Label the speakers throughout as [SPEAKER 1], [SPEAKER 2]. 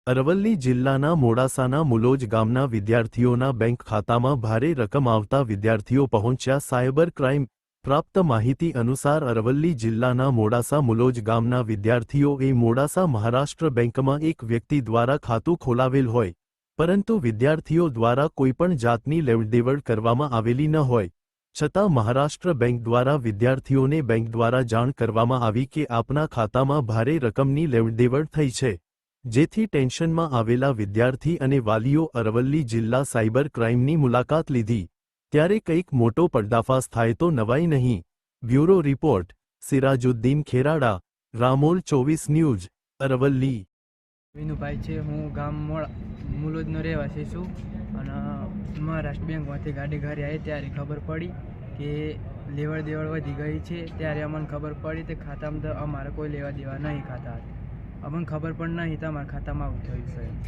[SPEAKER 1] અરવલ્લી જિલ્લાના મોડાસાના મુલોજ ગામના વિદ્યાર્થીઓના બેંક ખાતામાં ભારે રકમ આવતા વિદ્યાર્થીઓ પહોંચ્યા સાયબર ક્રાઇમ પ્રાપ્ત માહિતી અનુસાર અરવલ્લી જિલ્લાના મોડાસા મુલોજ ગામના વિદ્યાર્થીઓએ મોડાસા મહારાષ્ટ્ર બેંકમાં એક વ્યક્તિ દ્વારા ખાતું ખોલાવેલ હોય પરંતુ વિદ્યાર્થીઓ દ્વારા કોઈપણ જાતની લેવડદેવડ કરવામાં આવેલી ન હોય છતાં મહારાષ્ટ્ર બેંક દ્વારા વિદ્યાર્થીઓને બેંક દ્વારા જાણ કરવામાં આવી કે આપના ખાતામાં ભારે રકમની લેવડદેવડ થઈ છે, જેથી ટેન્શનમાં આવેલા વિદ્યાર્થી અને વાલીઓ અરવલ્લી જિલ્લા સાયબર ક્રાઇમની મુલાકાત લીધી ત્યારે કંઈક મોટો પર્દાફાશ થાય તો નવાઈ નહીં। Bureau report Sirajuddin Kherada, Ramol 24 news, Aravalli.
[SPEAKER 2] Vinubhai છે, હું ગામ મુલોજનો રહેવાસી છું અને મહારાષ્ટ્ર બેંકમાંથી ગાડી ઘરે આવી ત્યારે ખબર પડી કે લેવડ દેવડ વધી ગઈ છે। ત્યારે અમને ખબર પડી તે ખાતામાં અમારે કોઈ લેવા દેવા નહીં ખાતા હતા, અમને ખબર પણ નહીં તો અમારા ખાતામાં આવું થયું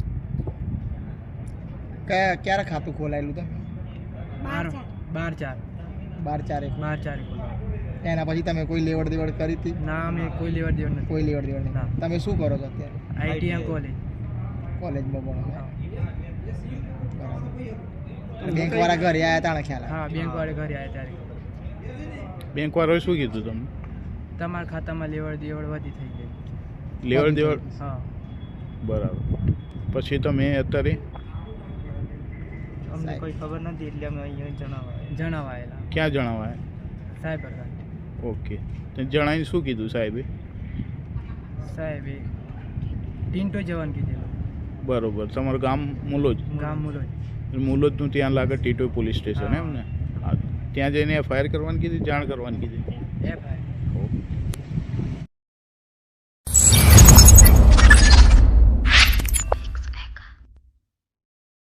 [SPEAKER 2] છે।
[SPEAKER 3] ક્યારે ખાતું ખોલાયેલું હતું?
[SPEAKER 2] 12/4
[SPEAKER 3] એના પછી તમે કોઈ લેવડ દેવડ કરી હતી?
[SPEAKER 2] ના, અમે કોઈ લેવડ દેવડ નથી।
[SPEAKER 3] કોઈ લેવડ દેવડ નહીં। તમે શું કરો છો અત્યારે?
[SPEAKER 2] આઈટીએમ
[SPEAKER 3] કોલેજમાં ભણો? બેંક વાળા ઘરે આવ્યા હતા ને ખ્યાલ?
[SPEAKER 2] હા, બેંક વાળા ઘરે આવ્યા ત્યારે
[SPEAKER 4] બેંક વાળાએ શું કીધું તમને?
[SPEAKER 2] તમારા ખાતામાં લેવડ દેવડ વધી થઈ ગઈ।
[SPEAKER 4] લેવડ દેવડ?
[SPEAKER 2] હા,
[SPEAKER 4] બરાબર। પછી તમે અત્યારે
[SPEAKER 2] અમને કોઈ ખબર નથી એટલે અમે અહીંયા જણાવાયેલા।
[SPEAKER 4] ક્યાં જણાવાય?
[SPEAKER 2] સાયબર ક્રાઇમ
[SPEAKER 4] ઓકે, તો જણાવીને શું કીધું સાહેબે?
[SPEAKER 2] સાહેબે ટીન્ટો જવાનું કીધેલું।
[SPEAKER 4] બરોબર, તમારું ગામ મુલોજ?
[SPEAKER 2] ગામ મુલોજ।
[SPEAKER 4] મુલોજનું ત્યાં લાગે ટીટોઈ પોલીસ સ્ટેશન
[SPEAKER 2] હા।
[SPEAKER 4] એમ ને? હા, ત્યાં જઈને એફઆઈઆર કરવાની કીધી, જાણ કરવાની કીધી?
[SPEAKER 2] એફઆઈઆર